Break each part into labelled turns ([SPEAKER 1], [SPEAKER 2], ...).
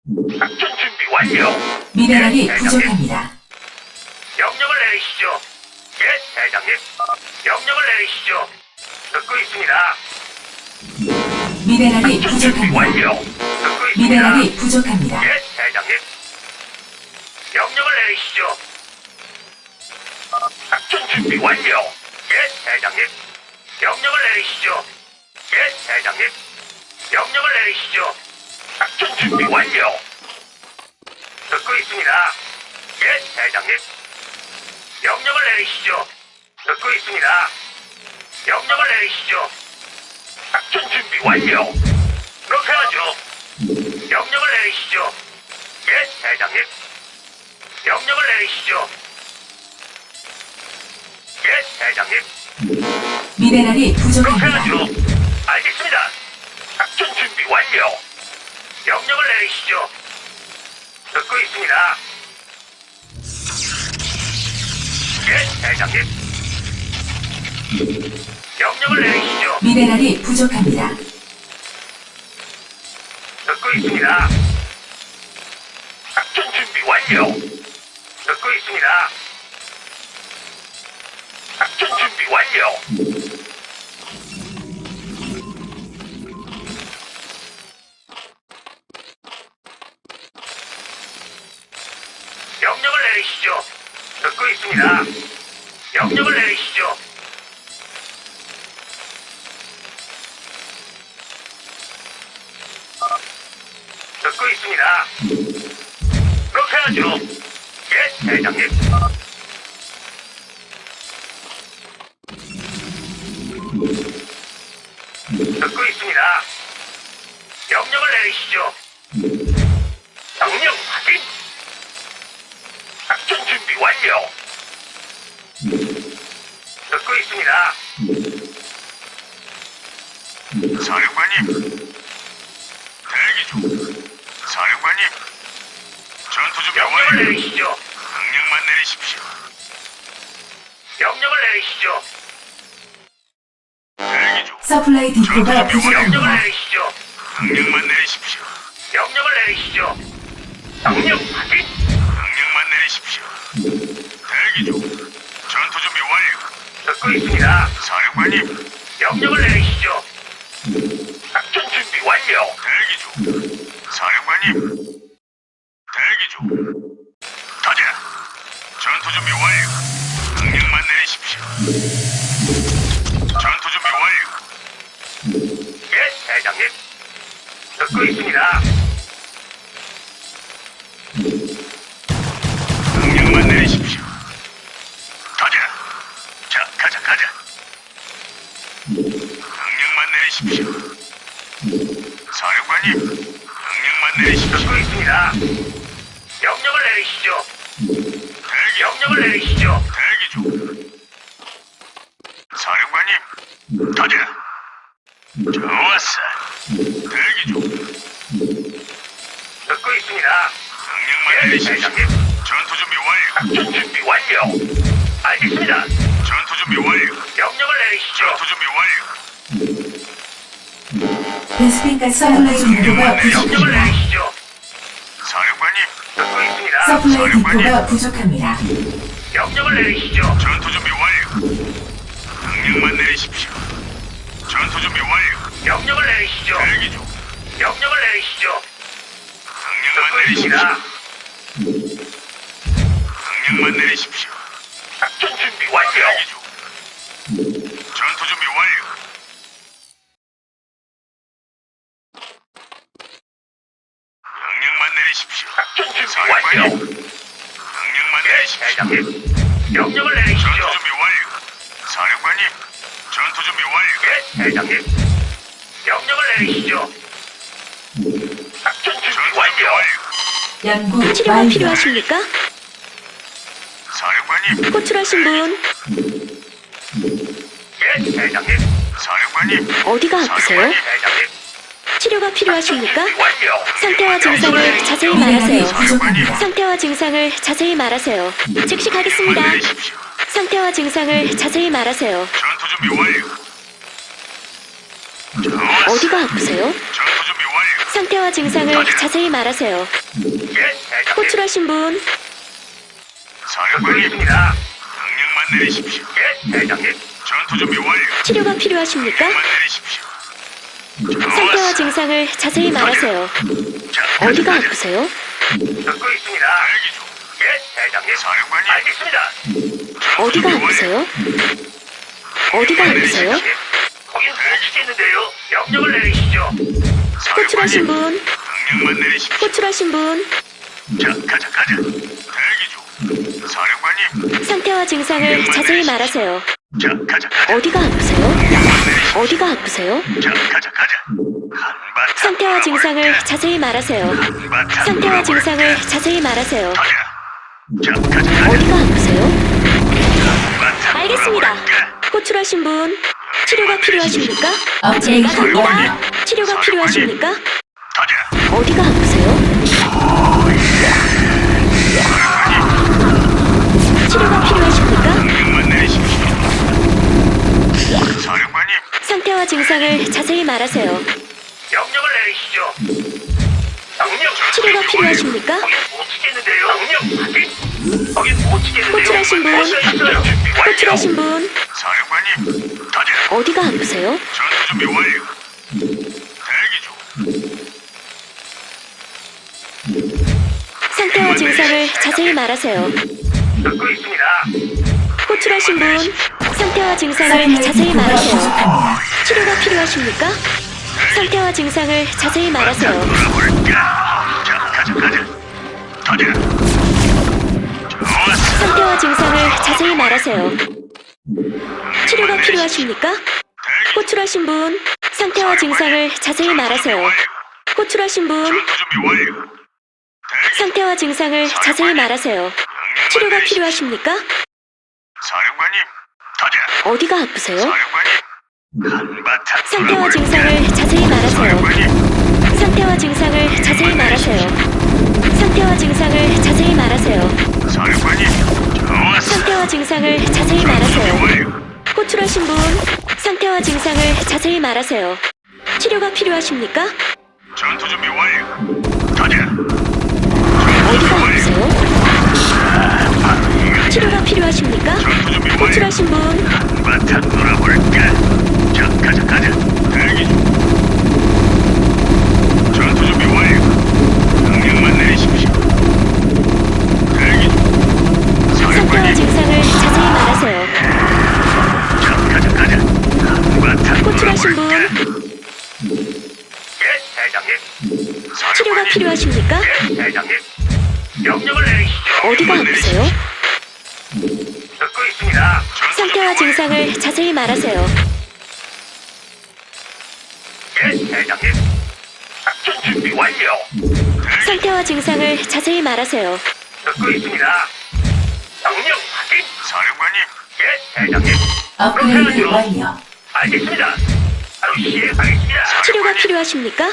[SPEAKER 1] 작전 준비 완료.
[SPEAKER 2] 미네랄이
[SPEAKER 1] 예, 대장님.
[SPEAKER 2] 부족합니다.
[SPEAKER 1] 명령을 내리시죠. 예, 대장님. 명령을 내리시죠. 듣고 있습니다.
[SPEAKER 2] 미네랄이
[SPEAKER 1] 작전 준비
[SPEAKER 2] 부족합니다.
[SPEAKER 1] 완료. 듣고 있습니다.
[SPEAKER 2] 미네랄이 부족합니다.
[SPEAKER 1] 예, 대장님. 명령을 내리시죠. 작전 준비 완료. 예, 대장님. 명령을 내리시죠. 예, 대장님. 명령을 내리시죠. 작전 준비 완료. 듣고 있습니다. 예, 대장님. 명령을 내리시죠. 듣고 있습니다. 명령을 내리시죠. 작전 준비 완료. 그렇게 하죠. 명령을 내리시죠. 예, 대장님. 명령을 내리시죠. 예, 대장님.
[SPEAKER 2] 미네랄이
[SPEAKER 1] 그렇게
[SPEAKER 2] 부족합니다.
[SPEAKER 1] 하죠. 알겠습니다. 작전 준비 완료. 명령을 내리시죠. 듣고 있습니다. 예, 대장님. 명령을 내리시죠.
[SPEAKER 2] 미네랄이 부족합니다.
[SPEAKER 1] 듣고 있습니다. 작전 준비 완료. 듣고 있습니다. 작전 준비 완료. 명령을 내리시죠. 듣고 있습니다. 명령을 내리시죠. 듣고 있습니다. 그렇게 하죠. 예, 대장님. 듣고 있습니다. 명령을 내리시죠. 명령 확인. 작전 준비 완료. 듣고 있습니다.
[SPEAKER 3] 사령관님, 대기 중. 사령관님, 전투 준비
[SPEAKER 1] 명령을
[SPEAKER 3] 완료.
[SPEAKER 1] 내리시죠.
[SPEAKER 3] 명령만 내리십시오.
[SPEAKER 1] 명령을 내리시죠.
[SPEAKER 3] 대기 중.
[SPEAKER 2] 서플라이 디포가
[SPEAKER 1] 명령을
[SPEAKER 2] 부족합니다.
[SPEAKER 1] 내리시죠.
[SPEAKER 3] 명령만 내리십시오.
[SPEAKER 1] 명령을 내리시죠. 명령 확인.
[SPEAKER 3] 명령만 내리십시오. 대기 중. 전투 준비 완료.
[SPEAKER 1] 듣고 있습니다.
[SPEAKER 3] 사령관님,
[SPEAKER 1] 명령을 내리시죠. 작전 준비 완료.
[SPEAKER 3] 대기 중. 사령관님, 대기 중. 가자. 전투 준비 완료. 명령만 내리십시오. 전투 준비 완료.
[SPEAKER 1] 예, 대장님. 듣고 있습니다.
[SPEAKER 3] 명령만 내리십시오. 가자. 자, 가자. 명령만 내리십시오. 사령관님, 명령만 내리십시오.
[SPEAKER 1] 듣고 있습니다. 명령을 내리시죠.
[SPEAKER 3] 대기,
[SPEAKER 1] 명령을 내리시죠.
[SPEAKER 3] 대기 중. 사령관님, 가자. 좋았어. 대기 중.
[SPEAKER 1] 듣고 있습니다.
[SPEAKER 3] 명령만
[SPEAKER 1] 예,
[SPEAKER 3] 내리십시오.
[SPEAKER 1] 대장님.
[SPEAKER 3] 전투 준비 완료.
[SPEAKER 1] 작전 준비 완료. 알겠습니다.
[SPEAKER 3] 전투 준비 완료.
[SPEAKER 1] 명령을 내리시죠.
[SPEAKER 3] 전투 준비 완료.
[SPEAKER 2] 베스핀 가스 서플라이 디포가
[SPEAKER 1] 명령을
[SPEAKER 2] 부족합니다.
[SPEAKER 1] 내리시죠.
[SPEAKER 3] 사령관님,
[SPEAKER 1] 듣고 있습니다.
[SPEAKER 2] 서플라이 디포가 부족합니다.
[SPEAKER 1] 명령을 내리시죠.
[SPEAKER 3] 전투 준비 완료. 명령만 내리십시오. 전투 준비 완료.
[SPEAKER 1] 명령을 내리시죠.
[SPEAKER 3] 대기 중.
[SPEAKER 1] 명령을 내리시죠.
[SPEAKER 3] 명령만
[SPEAKER 1] 듣고
[SPEAKER 3] 내리십시오.
[SPEAKER 1] 있습니다.
[SPEAKER 3] 명령만 내리십시오.
[SPEAKER 1] 작전 준비 완료.
[SPEAKER 3] 대기 중. 전투 준비 완료. 명령만 내리십시오.
[SPEAKER 1] 작전 준비
[SPEAKER 3] 사령관님,
[SPEAKER 1] 완료.
[SPEAKER 3] 명령만
[SPEAKER 1] 예,
[SPEAKER 3] 내리십시오.
[SPEAKER 1] 대장님. 명령을
[SPEAKER 3] 전투
[SPEAKER 1] 내리시죠.
[SPEAKER 3] 준비 완료. 사령관님, 전투 준비 완료.
[SPEAKER 1] 예, 대장님. 명령을 내리시죠. 작전 준비
[SPEAKER 3] 전투 준비
[SPEAKER 1] 완료.
[SPEAKER 3] 완료.
[SPEAKER 2] 연구
[SPEAKER 4] 치료가
[SPEAKER 2] 완료.
[SPEAKER 4] 필요하십니까?
[SPEAKER 3] 사령관님,
[SPEAKER 4] 호출하신 분
[SPEAKER 1] 예, 대장님.
[SPEAKER 3] 사령관님,
[SPEAKER 4] 어디가 아프세요?
[SPEAKER 3] 사령관님,
[SPEAKER 1] 대장님.
[SPEAKER 4] 치료가 필요하십니까?
[SPEAKER 1] 준비 완료.
[SPEAKER 4] 상태와 증상을 자세히
[SPEAKER 2] 미네랄이
[SPEAKER 4] 말하세요.
[SPEAKER 2] 부족합니다.
[SPEAKER 4] 상태와 증상을 자세히 말하세요. 즉시 가겠습니다.
[SPEAKER 3] 명령만 내리십시오.
[SPEAKER 4] 상태와 증상을 자세히 말하세요.
[SPEAKER 3] 전투 준비 완료. 좋았어.
[SPEAKER 4] 어디가 아프세요?
[SPEAKER 3] 전투 준비 완료.
[SPEAKER 4] 상태와 증상을 자세히 말하세요.
[SPEAKER 1] 예, 대장님.
[SPEAKER 4] 호출하신 분,
[SPEAKER 1] 듣고
[SPEAKER 3] 사령관님,
[SPEAKER 1] 있습니다.
[SPEAKER 3] 명령만 내리십시오.
[SPEAKER 1] 예, 대장님.
[SPEAKER 3] 전투 준비 완료.
[SPEAKER 4] 치료가 필요하십니까?
[SPEAKER 3] 명령만 내리십시오.
[SPEAKER 4] 상태와
[SPEAKER 3] 좋았어.
[SPEAKER 4] 증상을 자세히 말하세요.
[SPEAKER 1] 자,
[SPEAKER 4] 어디가 아프세요?
[SPEAKER 1] 듣고 있습니다.
[SPEAKER 3] 대기 중.
[SPEAKER 1] 예, 대장님.
[SPEAKER 3] 사령관님.
[SPEAKER 1] 알겠습니다.
[SPEAKER 4] 어디가 아프세요? 어디가 아프세요?
[SPEAKER 1] 거긴 못 치겠는데요. 명령을 내리시죠.
[SPEAKER 4] 호출하신 분,
[SPEAKER 3] 명령만 내리십시오.
[SPEAKER 4] 호출하신 분,
[SPEAKER 1] 자, 가자.
[SPEAKER 3] 대기 중. 사령관님.
[SPEAKER 4] 상태와 증상을 자세히 말하세요.
[SPEAKER 1] 자, 가자.
[SPEAKER 4] 어디가 아프세요? 어디가 아프세요?
[SPEAKER 1] 자, 가자. 한바탕.
[SPEAKER 4] 상태와 증상을 자세히 말하세요.
[SPEAKER 1] 한바탕.
[SPEAKER 4] 상태와 증상을 자세히 말하세요.
[SPEAKER 1] 가자. 자, 가자.
[SPEAKER 4] 어디가 아프세요?
[SPEAKER 1] 한바탕.
[SPEAKER 4] 알겠습니다.
[SPEAKER 1] 놀아볼까?
[SPEAKER 4] 호출하신 분, 치료가 필요하십니까?
[SPEAKER 2] 업그레이드
[SPEAKER 4] 제가 갑니다.
[SPEAKER 2] 완료.
[SPEAKER 4] 치료가 필요하십니까?
[SPEAKER 1] 가자.
[SPEAKER 4] 어디가 아프세요? 치료가 필요하십니까?
[SPEAKER 3] 명령만 내리십시오. 사령관님.
[SPEAKER 4] 상태와 증상을 자세히 말하세요.
[SPEAKER 1] 명령을 내리시죠. 명령.
[SPEAKER 4] 치료가 필요하십니까?
[SPEAKER 1] 거긴 못 치겠는데요. 명령 확인. 거긴 못 치겠는데요.
[SPEAKER 4] 호출하신 분.
[SPEAKER 1] 어서 있어요. 준비 완료.
[SPEAKER 4] 호출하신 분,
[SPEAKER 3] 사령관님.
[SPEAKER 1] 가자.
[SPEAKER 4] 어디가 아프세요?
[SPEAKER 3] 전투 준비 완료. 대기 중.
[SPEAKER 4] 상태와 증상을 자세히 말하세요.
[SPEAKER 1] 듣고 있습니다.
[SPEAKER 4] 호출하신 분, 상태와 증상을
[SPEAKER 2] 썰물
[SPEAKER 4] 자세히
[SPEAKER 2] 디포가
[SPEAKER 4] 말하세요.
[SPEAKER 2] 부족합니다.
[SPEAKER 4] 치료가 필요하십니까? 상태와 증상을 자세히 말하세요.
[SPEAKER 1] 놀아볼까? 자, 가자. 가자. 좋았어.
[SPEAKER 4] 상태와 증상을 자세히 말하세요. 치료가 필요하십니까? 호출하신 분, 상태와 증상을 자세히 말하세요. 호출하신 분,
[SPEAKER 3] 전투 준비 완료. 대기.
[SPEAKER 4] 상태와 증상을 자세히 말하세요. 치료가 필요하십니까?
[SPEAKER 3] 사령관님. 가자.
[SPEAKER 4] 어디가 아프세요?
[SPEAKER 3] 사령관님.
[SPEAKER 1] 한바탕.
[SPEAKER 4] 상태와 증상을 자세히 말하세요.
[SPEAKER 3] 사령관님.
[SPEAKER 4] 상태와 증상을 자세히 말하세요. 상태와 증상을 자세히 말하세요.
[SPEAKER 3] 사령관님.
[SPEAKER 1] 좋았어.
[SPEAKER 4] 상태와 증상을 자세히 말하세요.
[SPEAKER 3] 완료.
[SPEAKER 4] 호출하신 분, 상태와 증상을 자세히 말하세요. 치료가 필요하십니까?
[SPEAKER 3] 전투 준비 완료. 가자.
[SPEAKER 4] 어디가 아프세요? 치료가 필요하십니까?
[SPEAKER 3] 전투 준비 완료.
[SPEAKER 4] 호출하신 분,
[SPEAKER 1] 한바탕 놀아볼까? 자, 가자.
[SPEAKER 3] 대기 중. 전투 준비 완료. 명령만 내리십시오. 대기 중.
[SPEAKER 4] 상태와
[SPEAKER 3] 사령관님.
[SPEAKER 4] 증상을 자세히 말하세요.
[SPEAKER 1] 자, 가자. 한바탕
[SPEAKER 4] 호출하신 분,
[SPEAKER 1] 예, 대장님.
[SPEAKER 4] 치료가 필요하십니까?
[SPEAKER 1] 예, 대장님. 명령을 내리시죠.
[SPEAKER 4] 어디가 아프세요?
[SPEAKER 1] 듣고 있습니다.
[SPEAKER 4] 상태와 증상을 자세히 말하세요.
[SPEAKER 1] 예, 대장님. 작전 준비 완료.
[SPEAKER 4] 상태와 증상을 자세히 말하세요.
[SPEAKER 1] 듣고 있습니다. 명령 확인.
[SPEAKER 3] 사령관님.
[SPEAKER 1] 예, 대장님.
[SPEAKER 2] 업그레이드 완료.
[SPEAKER 1] 알겠습니다. 바로 시행하겠습니다.
[SPEAKER 4] 치료가 필요하십니까?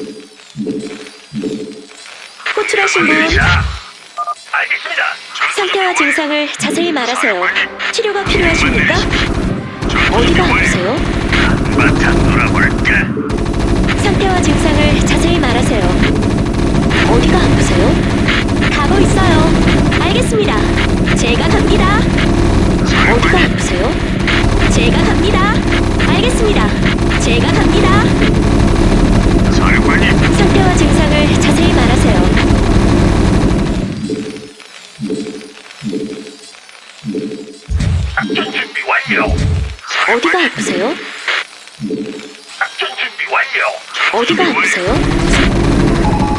[SPEAKER 4] 호출하신 분,
[SPEAKER 1] 자, 알겠습니다.
[SPEAKER 4] 상태와 증상을 자세히 말하세요. 치료가 필요하십니까? 어디가 아프세요?
[SPEAKER 1] 한바탕 놀아볼까?
[SPEAKER 4] 상태와 증상을 자세히 말하세요. 어디가 아프세요? 가고 있어요. 알겠습니다. 제가 갑니다. 어디가 아프세요? 제가 갑니다. 알겠습니다. 제가 갑니다.
[SPEAKER 3] 사령관님.
[SPEAKER 4] 상태와 증상을 자세히 말하세요.
[SPEAKER 1] 작전 준비 완료.
[SPEAKER 4] 어디가 아프세요?
[SPEAKER 1] 작전 준비 완료.
[SPEAKER 4] 어디가 아프세요?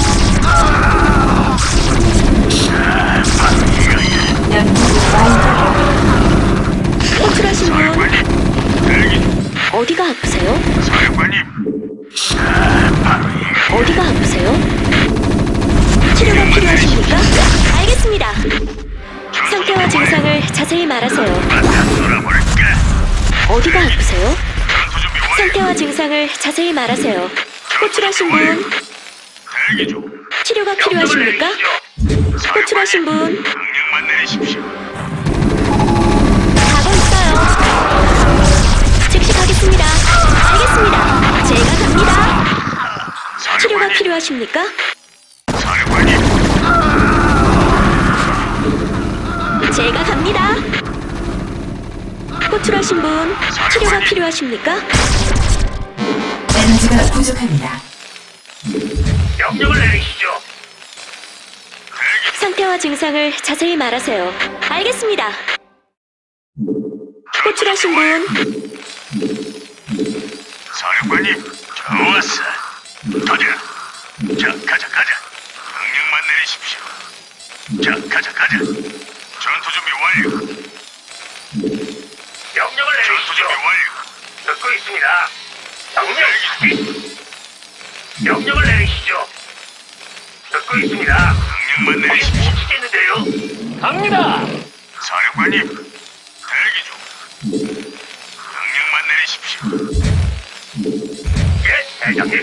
[SPEAKER 2] 연구 완료.
[SPEAKER 4] 호출하신 분,
[SPEAKER 3] 사령관님. 대기 중.
[SPEAKER 4] 어디가 아프세요?
[SPEAKER 3] 사령관님.
[SPEAKER 4] 어디가 아프세요? 치료가 필요하십니까? 알겠습니다. 상태와 증상을 자세히 말하세요.
[SPEAKER 1] 한바탕 놀아볼까?
[SPEAKER 4] 어디가 아프세요?
[SPEAKER 3] 전투 준비 완료.
[SPEAKER 4] 상태와 증상을 자세히 말하세요. 호출하신 분,
[SPEAKER 3] 대기 중.
[SPEAKER 4] 치료가 필요하십니까? 호출하신 분,
[SPEAKER 3] 명령만 내리십시오.
[SPEAKER 4] 가고 있어요. 즉시 가겠습니다. 알겠습니다. 제가 갑니다. 치료가 필요하십니까?
[SPEAKER 3] 사령관님.
[SPEAKER 4] 제가 갑니다. 호출하신 분 치료가 필요하십니까?
[SPEAKER 2] 에너지가 부족합니다.
[SPEAKER 1] 명령을 내리시죠.
[SPEAKER 4] 상태와 증상을 자세히 말하세요. 알겠습니다. 호출하신 분
[SPEAKER 3] 사령관님, 좋았어. 가자. 자, 가자. 명령만 내리십시오. 자, 가자. 전투 준비 완료.
[SPEAKER 1] 명령을
[SPEAKER 3] 전투
[SPEAKER 1] 내리시죠.
[SPEAKER 3] 준비 완료.
[SPEAKER 1] 듣고 있습니다. 명령 확인. 명령을 내리시죠. 듣고 있습니다.
[SPEAKER 3] 명령만
[SPEAKER 1] 거긴
[SPEAKER 3] 내리십시오.
[SPEAKER 1] 못 치겠는데요. 갑니다.
[SPEAKER 3] 사령관님, 대기 중. 명령만 내리십시오.
[SPEAKER 1] 예, 대장님.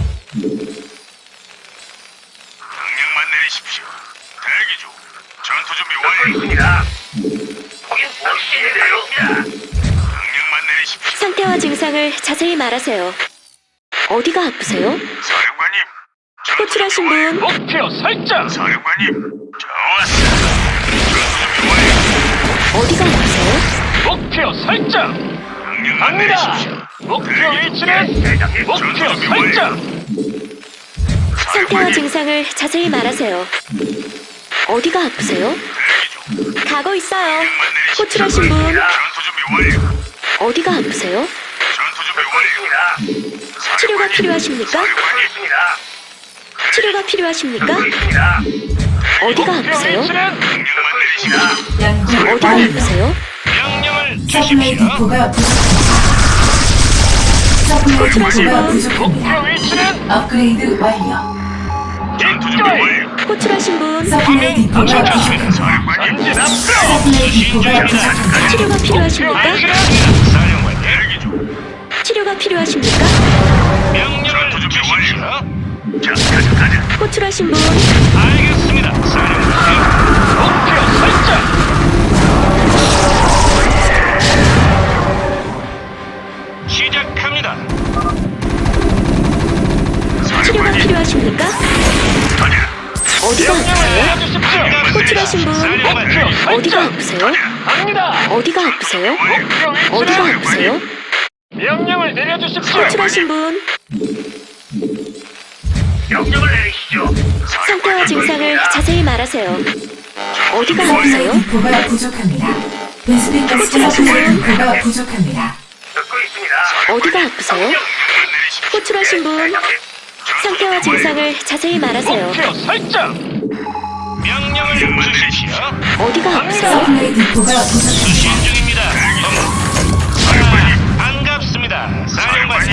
[SPEAKER 3] 명령만 내리십시오. 대기 중. 전투 준비
[SPEAKER 1] 듣고
[SPEAKER 3] 완료.
[SPEAKER 1] 있습니다. 거긴 못 치겠는데요.
[SPEAKER 3] 명령만 내리십시오.
[SPEAKER 4] 상태와 증상을 자세히 말하세요. 어디가 아프세요?
[SPEAKER 3] 사령관님, 전투
[SPEAKER 4] 호출하신
[SPEAKER 3] 준비 완료.
[SPEAKER 4] 분
[SPEAKER 1] 목표 설정.
[SPEAKER 3] 사령관님, 좋았어. 전투 준비 완료.
[SPEAKER 4] 어디가 아프세요?
[SPEAKER 1] 목표 설정.
[SPEAKER 3] 명령만
[SPEAKER 1] 갑니다.
[SPEAKER 3] 내리십시오.
[SPEAKER 1] 목표
[SPEAKER 3] 대기 중.
[SPEAKER 1] 위치는
[SPEAKER 3] 전투
[SPEAKER 1] 목표
[SPEAKER 3] 준비
[SPEAKER 1] 설정.
[SPEAKER 3] 완료.
[SPEAKER 4] 상태와
[SPEAKER 3] 사령관님,
[SPEAKER 4] 증상을 자세히 말하세요. 어디가 아프세요?
[SPEAKER 3] 대기 중.
[SPEAKER 4] 가고 있어요.
[SPEAKER 3] 명령만 내리십시오.
[SPEAKER 4] 호출하신 분
[SPEAKER 3] 전투 준비 완료.
[SPEAKER 4] 어디가 아프세요?
[SPEAKER 3] 전투 준비
[SPEAKER 1] 듣고
[SPEAKER 3] 완료.
[SPEAKER 1] 있습니다.
[SPEAKER 4] 치료가 필요하십니까?
[SPEAKER 1] 듣고
[SPEAKER 3] 사령관님,
[SPEAKER 1] 있습니다.
[SPEAKER 4] 치료가 필요하십니까?
[SPEAKER 1] 듣고 있습니다.
[SPEAKER 4] 어디가
[SPEAKER 1] 목표
[SPEAKER 4] 아프세요?
[SPEAKER 1] 위치는
[SPEAKER 3] 명령만
[SPEAKER 1] 듣고
[SPEAKER 3] 내리십시오.
[SPEAKER 1] 있습니다.
[SPEAKER 2] 연구
[SPEAKER 4] 어디가
[SPEAKER 2] 완료.
[SPEAKER 4] 아프세요?
[SPEAKER 1] 명령을
[SPEAKER 2] 서플라이
[SPEAKER 1] 주십시오.
[SPEAKER 2] 디포가 부족합니다. 서플라이
[SPEAKER 4] 호출하신
[SPEAKER 2] 디포가
[SPEAKER 4] 분
[SPEAKER 2] 부족합니다.
[SPEAKER 1] 목표 위치는
[SPEAKER 2] 업그레이드 완료.
[SPEAKER 3] 전투 준비 완료.
[SPEAKER 4] 호출하신 분
[SPEAKER 2] 서플라이 디포가 부족합니다.
[SPEAKER 3] 사령관님,
[SPEAKER 1] 전진 앞으로.
[SPEAKER 2] 서플라이 디포가 부족합니다.
[SPEAKER 4] 치료가
[SPEAKER 1] 목표
[SPEAKER 4] 필요하십니까?
[SPEAKER 1] 위치는
[SPEAKER 3] 사령관 대기 중.
[SPEAKER 4] 치료가 필요하십니까?
[SPEAKER 1] 명령을
[SPEAKER 3] 전투 준비
[SPEAKER 1] 주십시오.
[SPEAKER 3] 완료. 자, 가자.
[SPEAKER 4] 호출하신 분
[SPEAKER 1] 알겠습니다. 사령관님. 목표 설정. 시작합니다.
[SPEAKER 4] 치료가
[SPEAKER 3] 사령관님,
[SPEAKER 4] 필요하십니까?
[SPEAKER 3] 가자.
[SPEAKER 4] 어디가
[SPEAKER 1] 명령을
[SPEAKER 4] 아프세요?
[SPEAKER 1] 내려주십시오.
[SPEAKER 4] 호출하신 분
[SPEAKER 1] 목표
[SPEAKER 4] 어디가
[SPEAKER 1] 설정.
[SPEAKER 4] 아프세요?
[SPEAKER 1] 갑니다.
[SPEAKER 4] 어디가 아프세요?
[SPEAKER 1] 목표
[SPEAKER 4] 어디가
[SPEAKER 1] 위치는
[SPEAKER 4] 아프세요?
[SPEAKER 1] 명령을 내려주십시오.
[SPEAKER 4] 호출하신 분
[SPEAKER 1] 명령을 내리시죠.
[SPEAKER 4] 상태와 증상을 자세히 말하세요. 어디가
[SPEAKER 2] 서플라이
[SPEAKER 4] 아프세요?
[SPEAKER 2] 디포가 부족합니다. 베스핀 가스가 서플라이 디포가 부족합니다.
[SPEAKER 1] 듣고 있습니다.
[SPEAKER 4] 어디가 아프세요?
[SPEAKER 3] 명령만 내리십시오.
[SPEAKER 4] 호출하신 분 상태와 증상을 자세히 말하세요.
[SPEAKER 1] 목표 설정. 명령을 주십시오.
[SPEAKER 4] 어디가 아프세요?
[SPEAKER 2] 서플라이 디포가 부족합니다.
[SPEAKER 1] 수신 중입니다.
[SPEAKER 3] 사령관님,
[SPEAKER 1] 반갑습니다. 사령관님.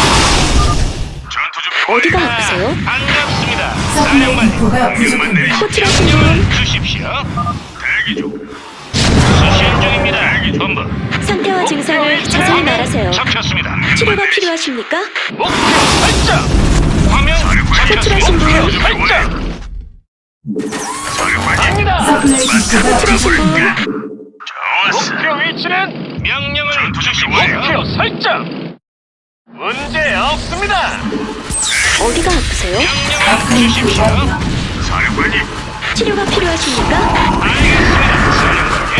[SPEAKER 3] 전투 준비
[SPEAKER 4] 어디가
[SPEAKER 3] 완료.
[SPEAKER 4] 아프세요?
[SPEAKER 1] 반갑습니다.
[SPEAKER 2] 서플라이
[SPEAKER 1] 사령관님.
[SPEAKER 2] 디포가
[SPEAKER 3] 명령만
[SPEAKER 2] 부족합니다.
[SPEAKER 3] 내리십시오.
[SPEAKER 4] 호출하신 분
[SPEAKER 1] 명령을 주십시오.
[SPEAKER 3] 대기 중.
[SPEAKER 1] 수신 중입니다. 본부.
[SPEAKER 4] 상태와 증상을 자세히 말하세요.
[SPEAKER 1] 잡혔습니다.
[SPEAKER 4] 치료가 필요하십니까?
[SPEAKER 1] 목표 설정. 화면
[SPEAKER 4] 호출하신 분
[SPEAKER 1] 목표 설정.
[SPEAKER 3] 사령관님,
[SPEAKER 1] 갑니다.
[SPEAKER 2] 서플라이 디포가
[SPEAKER 4] 호출하신 분
[SPEAKER 3] 좋았어.
[SPEAKER 1] 목표 위치는 명령을
[SPEAKER 3] 전투 준비
[SPEAKER 1] 주십시오.
[SPEAKER 3] 완료.
[SPEAKER 1] 목표 설정. 문제 없습니다.
[SPEAKER 4] 어디가 아프세요?
[SPEAKER 1] 명령을
[SPEAKER 2] 업그레이드
[SPEAKER 1] 주십시오.
[SPEAKER 2] 완료.
[SPEAKER 3] 사령관님,
[SPEAKER 4] 치료가 필요하십니까?
[SPEAKER 1] 알겠습니다. 사령관님.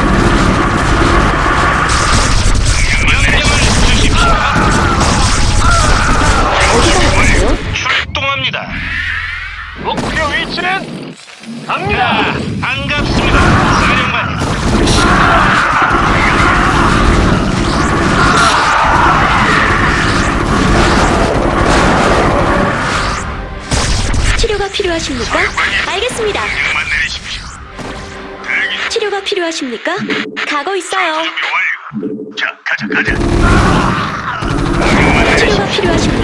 [SPEAKER 1] 명령을 주십시오.
[SPEAKER 4] 어디가 아프세요?
[SPEAKER 1] 출동합니다. 목표 위치는 갑니다. 반갑습니다. 사령관님.
[SPEAKER 4] 치료가 필요하십니까? 알겠습니다.
[SPEAKER 3] 명령만 내리십시오. 대기 중.
[SPEAKER 4] 치료가 필요하십니까? 가고 있어요.
[SPEAKER 3] 준비 완료. 자, 가자.
[SPEAKER 4] 치료가 필요하십니까?